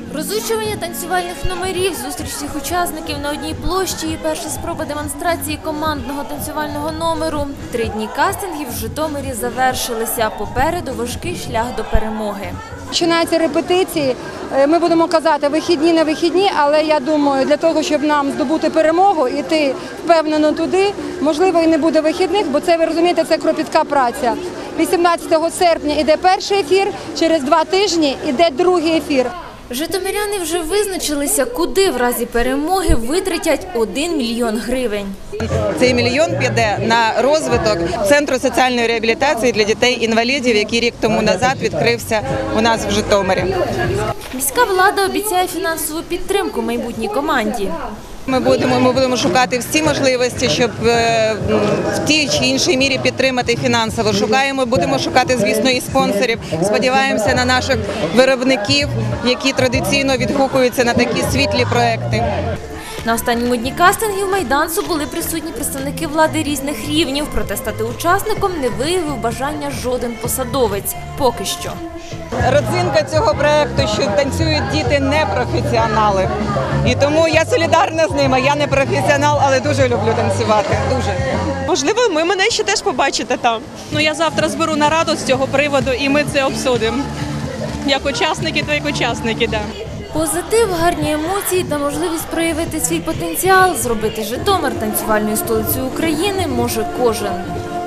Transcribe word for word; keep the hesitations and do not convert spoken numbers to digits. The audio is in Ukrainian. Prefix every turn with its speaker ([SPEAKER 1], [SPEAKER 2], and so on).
[SPEAKER 1] Розучування танцювальних номерів, зустріч всіх учасників на одній площі і перша спроба демонстрації командного танцювального номеру. Три дні кастингів в Житомирі завершилися. Попереду важкий шлях до перемоги.
[SPEAKER 2] Починаються репетиції. Ми будемо казати вихідні на вихідні, але я думаю, для того, щоб нам здобути перемогу, іти впевнено туди, можливо, і не буде вихідних, бо це, ви розумієте, це кропітка праця. вісімнадцятого серпня йде перший ефір, через два тижні йде другий ефір.
[SPEAKER 1] Житомиряни вже визначилися, куди в разі перемоги витратять один мільйон гривень.
[SPEAKER 3] Цей мільйон піде на розвиток Центру соціальної реабілітації для дітей-інвалідів, який рік тому назад відкрився у нас в Житомирі.
[SPEAKER 1] Міська влада обіцяє фінансову підтримку майбутній команді.
[SPEAKER 3] Ми будемо, ми будемо шукати всі можливості, щоб в тій чи іншій мірі підтримати фінансово. Шукаємо, будемо шукати, звісно, і спонсорів. Сподіваємося на наших виробників, які традиційно відгукуються на такі світлі проекти.
[SPEAKER 1] На останньому дні кастингів майданцю були присутні представники влади різних рівнів, проте стати учасником не виявив бажання жоден посадовець. Поки що.
[SPEAKER 3] Родзинка цього проєкту, що танцюють діти непрофесіонали. І тому я солідарна з ними. Я не професіонал, але дуже люблю танцювати. Дуже.
[SPEAKER 4] Можливо, ви мене ще теж побачите там. Ну, я завтра зберу нараду з цього приводу і ми це обсудимо. Як учасники, то як учасники, так. Да.
[SPEAKER 1] Позитив, гарні емоції та можливість проявити свій потенціал, зробити Житомир танцювальною столицею України може кожен.